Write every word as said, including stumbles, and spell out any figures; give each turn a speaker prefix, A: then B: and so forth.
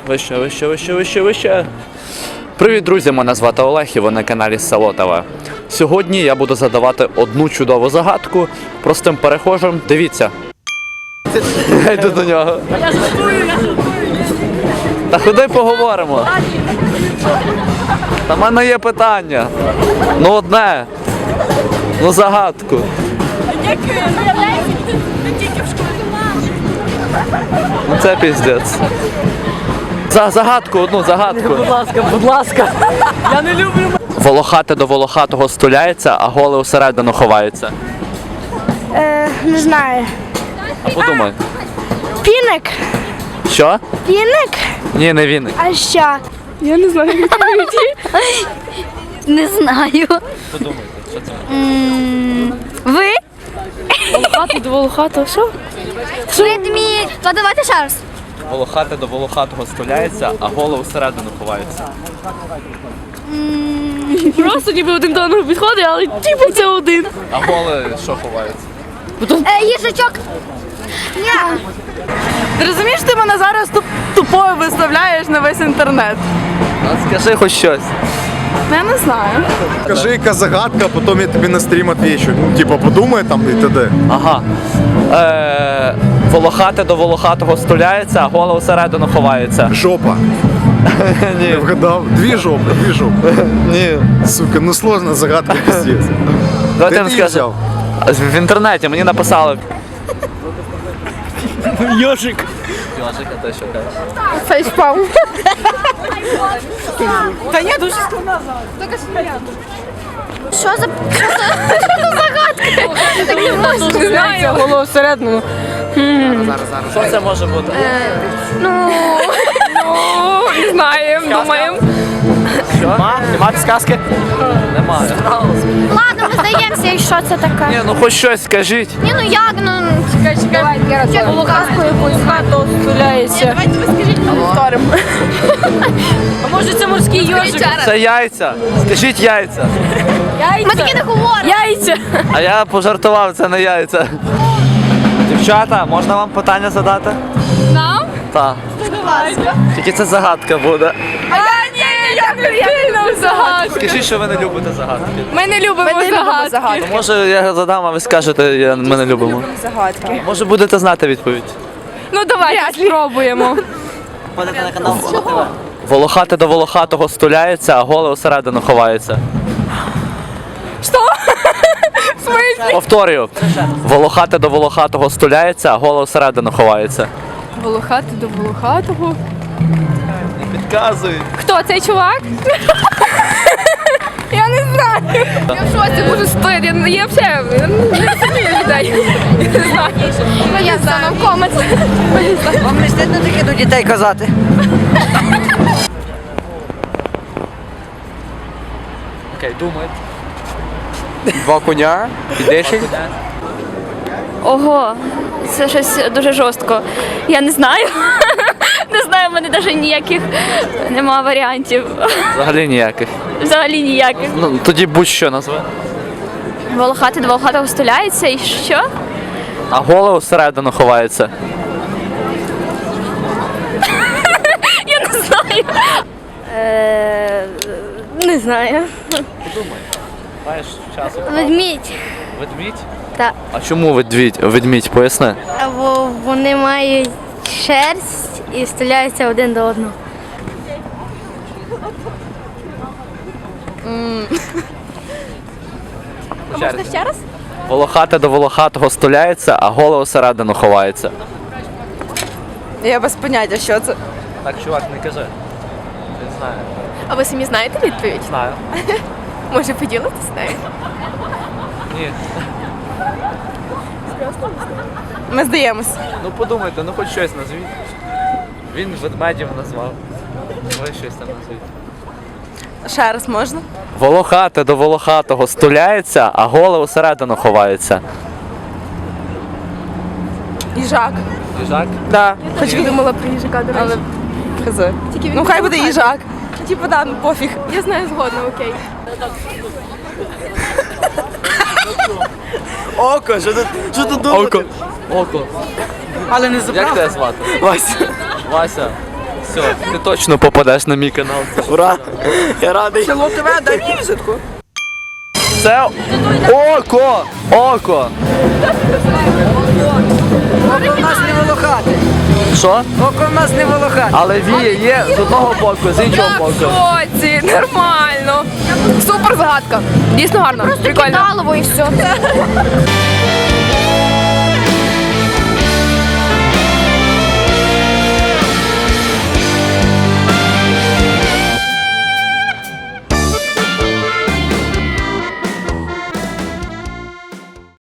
A: Вище, вище, вище, вище, вище. Привіт, друзі! Мене звати Олег і ви на каналі Село ТВ. Сьогодні я буду задавати одну чудову загадку простим перехожим. Дивіться. Я йду до нього.
B: Я жартую, я жартую.
A: Та ходи поговоримо. Та в мене є питання. Ну одне. Ну загадку.
B: Як виявляється, ти не тільки в школі.
A: Ну це піздець. За загадку, одну загадку.
B: Будь ласка, будь ласка. Я не люблю.
A: Волохате до волохатого стуляється, а голе усередину ховається.
C: Е, не знаю.
A: А подумай.
C: Піник?
A: Що?
C: Піник?
A: Ні, не він.
C: А що? Я не знаю.
D: Не знаю.
A: Подумайте, що це?
D: Ви?
C: Волохатий до волохатого, що?
D: Ведмідь. То давайте ще раз.
A: Волохате до волохатого стуляється, а голе усередину ховається.
C: Просто ніби один до одного підходить, але типу це один.
A: А голе що ховається?
D: Е, їжачок. Ні.
B: Ти розумієш, ти мене зараз туп- тупою виставляєш на весь інтернет.
A: Ну, скажи хоч щось.
B: Ну, я не знаю.
E: Скажи, яка загадка, а потім я тобі на стрім відвічу. Ну, типа, подумай там і т.д.
A: Ага. Е, волохате до волохатого стуляється, а голе усередину ховається.
E: Жопа.
A: Ні.
E: Не вгадав. Дві жопи, дві жопи.
A: Ні.
E: Сука, ну сложна загадка, пиздец.
A: Давай
E: Де
A: ти не
E: ти її
A: скажи.
E: взяв?
A: В інтернеті мені написали.
B: Йожик.
A: Йожик, а ти що кажеш?
C: Фейспалм.
B: Та ні, дуже
D: Що за загадка?
C: Не знаю, голову всередину.
A: Що це може бути?
D: Ну,
C: Не знаємо, думаємо.
A: Що? Нема підсказки? Немає.
D: ладно, ми здаємося, і що це таке?
A: Ні, ну хоч щось скажіть.
D: Ні, ну як, ну...
C: Чекай, чекай. Волохатку якусь хату стуляється.
B: Давайте ви скажіть, ми повторимо.
C: А може це морський йожик?
A: Це яйця. Скажіть яйця.
D: Ми таки не говоримо.
C: Яйця.
A: А я пожартував, це не яйця. Дівчата, можна вам питання задати?
C: Нам?
A: Так. Тільки це загадка буде.
C: А ні, я не сильно загадку.
A: Скажіть, що ви не любите загадки.
C: Ми не любимо загадки.
A: Ну, може я задам, а ви скажете, я, ми не любимо.
C: Загадки.
A: Може будете знати відповідь.
C: Ну давайте спробуємо.
A: Волохате до волохатого стуляється, а голе усередину ховається.
C: Що? В смислі?
A: Повторюю. Волохате до волохатого стуляється, а голе усередину ховається.
C: Волохатий до волохатого.
A: Не підказуй.
C: Хто цей чувак? Я не знаю. Я в шоці можу стояти. Я, я взагалі я не розумію людей. Я не знаю.
D: Я знаю. Комець.
F: Вам не стидно таке до дітей казати?
A: Окей, думайте.
F: Два коня і десять.
D: Ого, це щось дуже жорстко. Я не знаю. Не знаю, в мене навіть ніяких нема варіантів.
A: Взагалі ніяких.
D: Взагалі ніяких.
A: Ну, тоді будь-що назви.
D: Волохати до волохатого стуляється і що?
A: А голе усередину ховається.
D: Я не знаю. Е, не знаю.
A: Маєш часу.
D: Ведмідь.
A: Ведмідь?
D: Так.
A: А чому ведмідь? Ведмідь, поясни.
D: Або вони мають шерсть і стріляються один до одного.
A: Можна ще раз? Волохате до волохатого стуляється, а голе усередину ховається.
B: Я без поняття, що це.
A: Так, чувак, не кажи. Не знаю.
C: А ви самі знаєте відповідь?
A: Знаю.
C: Може поділитися нею?
A: Ні.
B: Ми здаємось.
A: Ну подумайте, ну хоч щось назвіть. Він ведмедів назвав. Ви щось там назвіть.
B: Ще раз можна?
A: Волохате до волохатого стуляється, а голе усередину ховається.
B: Їжак.
A: Їжак?
B: Да.
C: Хоч я думала про їжака, до речі.
B: Хз.
C: Тільки він
B: Ну хай буде
C: волохатий.
B: їжак. Типу, да, ну пофіг.
C: Я знаю згодно, окей.
F: Око, що тут, що тут думати?
A: Око. Око.
F: Але не
A: Як
F: забрав.
A: тебе звати?
F: Вася.
A: Вася. Все, ти точно попадеш на мій канал.
F: Ура! Я радий.
B: Село ТВ, дай мені візитку.
A: Це око! Око!
F: Око в нас не волохати.
A: Що?
F: Око в нас не волохати.
A: Але віє є з одного боку, з іншого
C: Я в
A: боку.
C: шоці, нормально. Супер загадка. Дійсно гарно. Прикольно.
D: Кидалово і все.